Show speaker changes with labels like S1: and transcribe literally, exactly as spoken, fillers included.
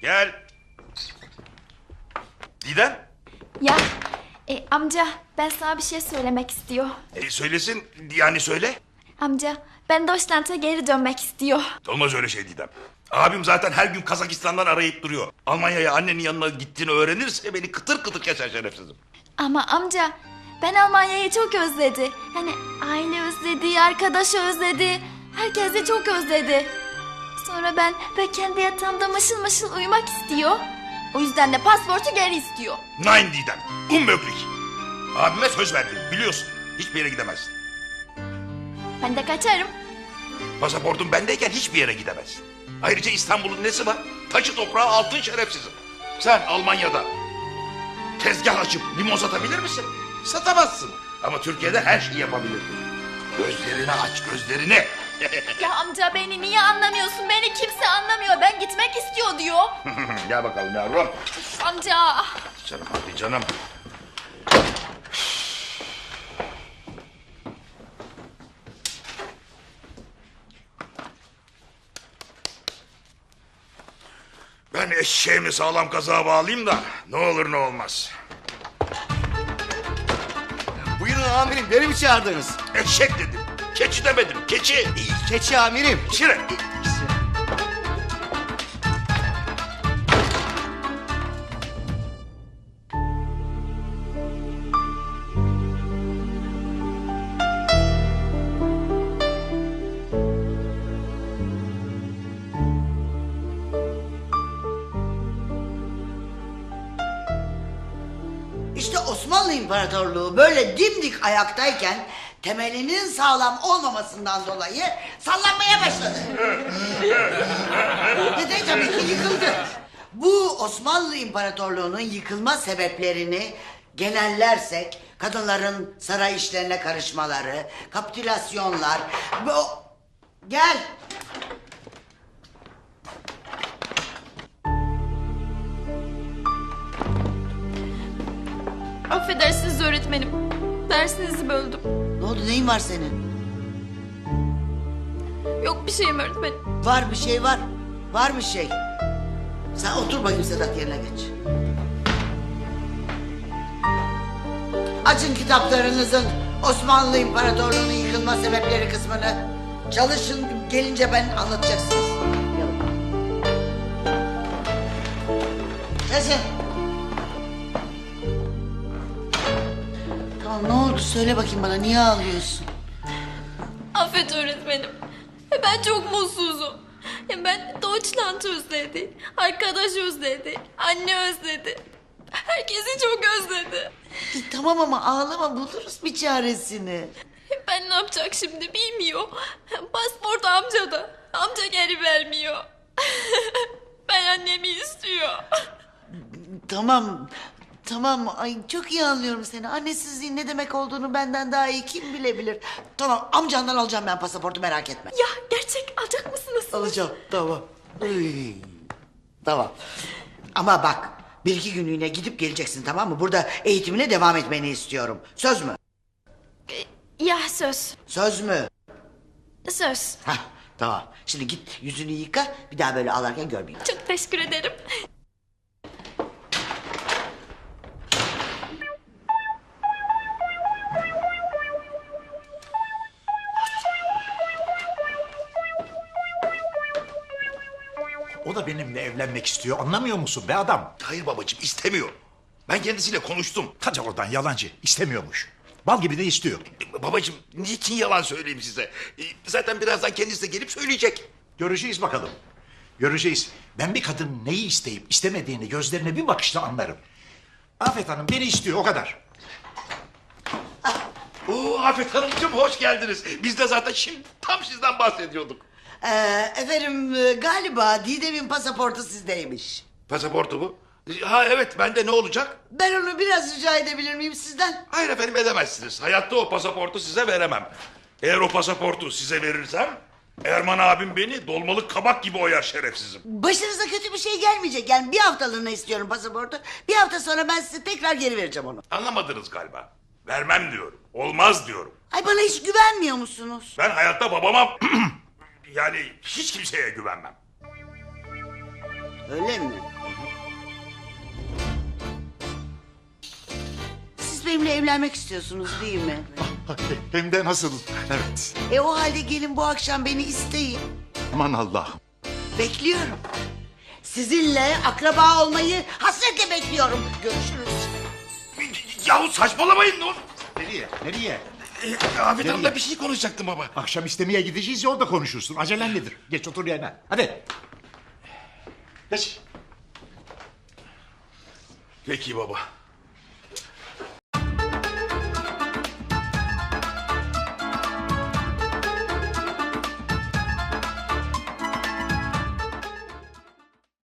S1: Gel. Didem.
S2: Ya e, amca ben sana bir şey söylemek istiyor.
S1: E, söylesin yani söyle.
S2: Amca ben Deutschland'a geri dönmek istiyor.
S1: Olmaz öyle şey Didem. Abim zaten her gün Kazakistan'dan arayıp duruyor. Almanya'ya annenin yanına gittiğini öğrenirse beni kıtır kıtır keser şerefsizim.
S2: Ama amca ben Almanya'yı çok özledi. Hani aile özledi, arkadaşı özledi. Herkesi çok özledi. Sonra ben ve kendi yatağımda mışıl mışıl uyumak istiyor. O yüzden de pasportu geri istiyor.
S1: Nein Didem. Unmöglich. Abime söz verdim biliyorsun. Hiçbir yere gidemezsin.
S2: Ben de kaçarım.
S1: Pasaportun bendeyken hiçbir yere gidemezsin. Ayrıca İstanbul'un nesi var? Taşı toprağı altın şerefsizim. Sen Almanya'da tezgah açıp limon satabilir misin? Satamazsın. Ama Türkiye'de her şeyi yapabilirsin. Gözlerini aç gözlerini.
S2: Ya amca beni niye anlamıyorsun? Beni kimse anlamıyor. Ben gitmek istiyor diyor.
S1: Gel bakalım yavrum.
S2: Amca.
S1: Canım hadi canım. Ben eşeğimi sağlam kazığa bağlayayım da ne olur ne olmaz.
S3: Buyurun amirim, beni mi çağırdınız?
S1: Eşek dedim. Keçi demedim. Keçi.
S3: Keçi amirim.
S1: Şire.
S4: İşte Osmanlı İmparatorluğu böyle dimdik ayaktayken temelinin sağlam olmamasından dolayı sallanmaya başladı. Ve de tabii ki yıkıldı. Bu Osmanlı İmparatorluğu'nun yıkılma sebeplerini genellersek kadınların saray işlerine karışmaları, kapitülasyonlar... Bu... Gel.
S2: Affedersiniz öğretmenim. Dersinizi böldüm.
S4: Ne oldu, neyin var senin?
S2: Yok bir şeyim öğretmenim.
S4: Var bir şey var. Var bir şey. Sen otur bakayım Sedat, yerine geç. Açın kitaplarınızın Osmanlı İmparatorluğu'nun yıkılma sebepleri kısmını. Çalışın, gelince ben anlatacaksınız. Yazın. Tamam, ne oldu söyle bakayım bana, niye ağlıyorsun?
S2: Affet öğretmenim. Ben çok mutsuzum. Ben Deutschland özledi. Arkadaş özledi. Anne özledi. Herkesi çok özledi.
S4: E, tamam ama ağlama, buluruz bir çaresini.
S2: Ben ne yapacak şimdi bilmiyor. Pasport amcada. Amca geri vermiyor. Ben annemi istiyor.
S4: Tamam, tamam. Ay çok iyi anlıyorum seni. Annesizliğin ne demek olduğunu benden daha iyi kim bilebilir. Tamam, amcandan alacağım ben pasaportu, merak etme.
S2: Ya gerçek alacak mısınız?
S4: Alacağım, tamam. Ay, tamam. Ama bak, bir iki günlüğüne gidip geleceksin, tamam mı? Burada eğitimine devam etmeni istiyorum. Söz mü?
S2: Ya söz.
S4: Söz mü?
S2: Söz.
S4: Hah, tamam. Şimdi git yüzünü yıka, bir daha böyle ağlarken görmeyeyim.
S2: Çok teşekkür ederim.
S5: O da benimle evlenmek istiyor, anlamıyor musun be adam?
S1: Hayır babacığım istemiyor. Ben kendisiyle konuştum.
S5: Hadi oradan, yalancı, istemiyormuş. Bal gibi de istiyor.
S1: E, babacığım niçin yalan söyleyeyim size? E, zaten birazdan kendisi de gelip söyleyecek.
S5: Göreceğiz bakalım. Göreceğiz. Ben bir kadın neyi isteyip istemediğini gözlerine bir bakışla anlarım. Afet Hanım beni istiyor, o kadar.
S1: Oo Afet Hanımcığım hoş geldiniz. Biz de zaten şimdi tam sizden bahsediyorduk.
S4: Ee, efendim e, galiba Didem'in pasaportu sizdeymiş.
S1: Pasaportu bu. Ha evet bende ne olacak?
S4: Ben onu biraz rica edebilir miyim sizden?
S1: Hayır efendim edemezsiniz. Hayatta o pasaportu size veremem. Eğer o pasaportu size verirsem Erman abim beni dolmalık kabak gibi oyar şerefsizim.
S4: Başınıza kötü bir şey gelmeyecek. Yani bir haftalığına istiyorum pasaportu. Bir hafta sonra ben size tekrar geri vereceğim onu.
S1: Anlamadınız galiba. Vermem diyorum. Olmaz diyorum.
S4: Ay bana hiç güvenmiyor musunuz?
S1: Ben hayatta babama yani hiç kimseye güvenmem.
S4: Öyle mi? benimle evlenmek istiyorsunuz değil mi?
S5: Hem de nasıl? Evet.
S4: E o halde gelin bu akşam beni isteyin.
S5: Aman Allah'ım.
S4: Bekliyorum. Sizinle akraba olmayı hasretle bekliyorum. Görüşürüz.
S1: Yahu saçmalamayın ne olur.
S5: Nereye? Nereye?
S1: Ee, Afet Hanım'la bir şey konuşacaktım baba.
S5: Akşam istemeye gideceğiz ya orada konuşursun. Acelen nedir? Geç otur yerine. Hadi. Geç.
S1: Peki baba.